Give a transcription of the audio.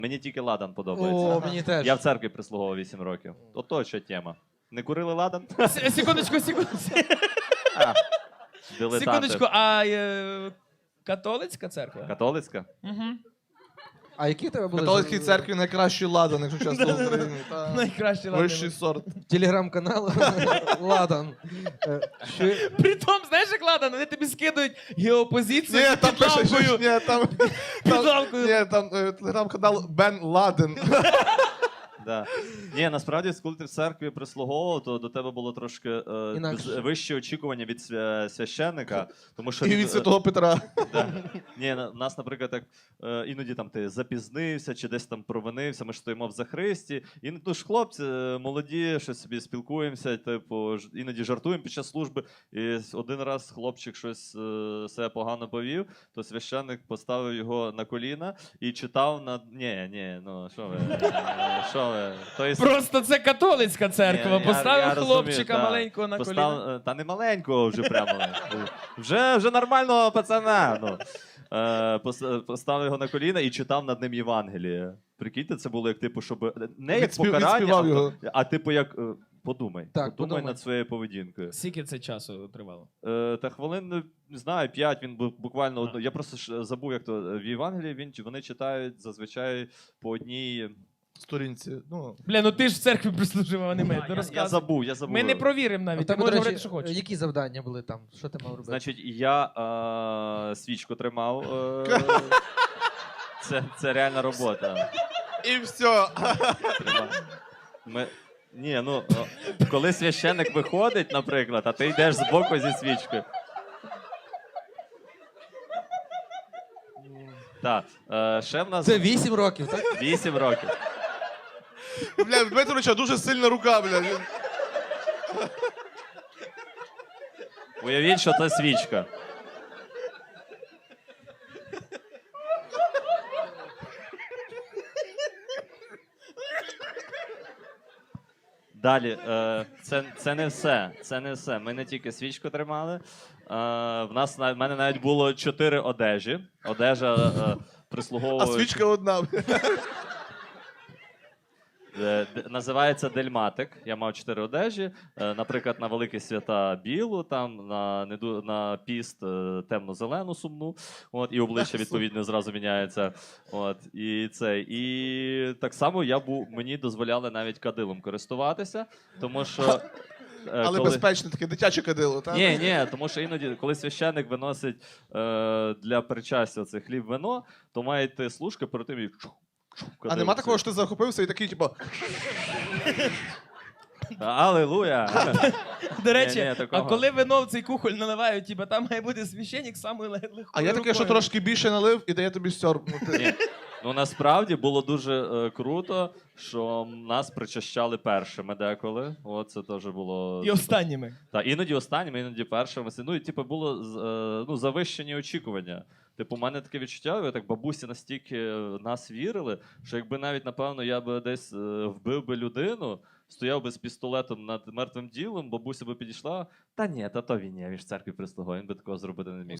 Мені тільки ладан подобається. О, мені теж. Я в церкві прислуговував 8 років. Ото що тема. Не курили ладан? Секундочку. Дилетанти. Секундочку, а католицька церква? Католицька? Угу. А які в тебе В були? католицькій церкві найкращий ладан, якщо чесно в Україні. Та Найкраще ладно. Вищий сорт. Телеграм-канал Ладан. Притом, знаєш, як ладан, вони тобі скидують геопозицію Ні, там під пише, лампою. ні, там, Під лампою. ні, там телеграм-канал Бен Ладен. Да. Ні, насправді, коли ти в церкві прислуговував, то до тебе було трошки Інакше. вищі очікування від священника. Тому що І від Святого Петра. Да. Ні, нас, наприклад, так іноді там ти запізнився чи десь там провинився, ми ж стоїмо в захристі. І ну ж хлопці молоді, щось собі спілкуємося, типу, іноді жартуємо під час служби. І один раз хлопчик щось себе погано повів, то священник поставив його на коліна і читав на. Ні, ну що ви? Що ви? Тобто, Просто це католицька церква. Ні, Поставив я розумію, хлопчика да. маленького на коліна. Та не маленького вже прямо. Вже нормального пацана. Ну. Поставив його на коліна і читав над ним Євангеліє. Прикиньте, це було як типу, щоб не як покарання, відспівав його. а типу як подумай. Так, подумай. Над своєю поведінкою. Скільки це часу тривало? Та хвилин, не знаю, 5, він буквально одну. Я просто ж забув, як то в Євангелії вони читають зазвичай по одній. Сторінці. Ну, Бля, ну ти ж в церкві прислужив, а не ми. Ну, Я розказуй. забув. Ми не провіримо А навіть. в Ти тебе, можеш до говорити, речі, що хочеш. які завдання були там? Що ти мав робити? Значить, я свічку тримав. Це реальна робота. і все. Ні, ну, коли священник виходить, наприклад, а ти йдеш збоку зі свічкою. Так, ще в нас Це 8 років, так? 8 років. Бля, Дмитровича дуже сильна рука, бля. Уявіть, що це свічка. Далі, це не все. Це не все. Ми не тільки свічку тримали. В мене навіть було 4 одежі. Одежа А прислуговує. свічка одна. Називається дельматик. Я мав 4 одежі. Наприклад, на великі свята білу, там на піст темно-зелену сумну. От, і обличчя відповідно зразу міняється. От, і так само мені дозволяли навіть кадилом користуватися, тому що. Але безпечне таке дитяче кадило, так? Ні, тому що іноді, коли священник виносить для причастя це хліб-вино, то має йти служка перед тим, як А нема такого, що ти захопився і такий, типу, Алілуя! До речі, Ні, а такого. коли вино в цей кухоль наливають, типа там має бути священник самою легкою а я таке, що трошки більше налив і дає тобі сьорбнути. Ні. Ну насправді було дуже круто, що нас причащали першими деколи. От це теж було. І останніми. Та іноді останніми, іноді першими. Ну і типу було завищені очікування. Типу, у мене таке відчуття, так бабусі настільки в нас вірили, що якби навіть, напевно, я би десь вбив би людину, стояв би з пістолетом над мертвим тілом, бабуся би підійшла. Та ні, та то він є, він ж в церкві прислугує, він би такого зробити не міг.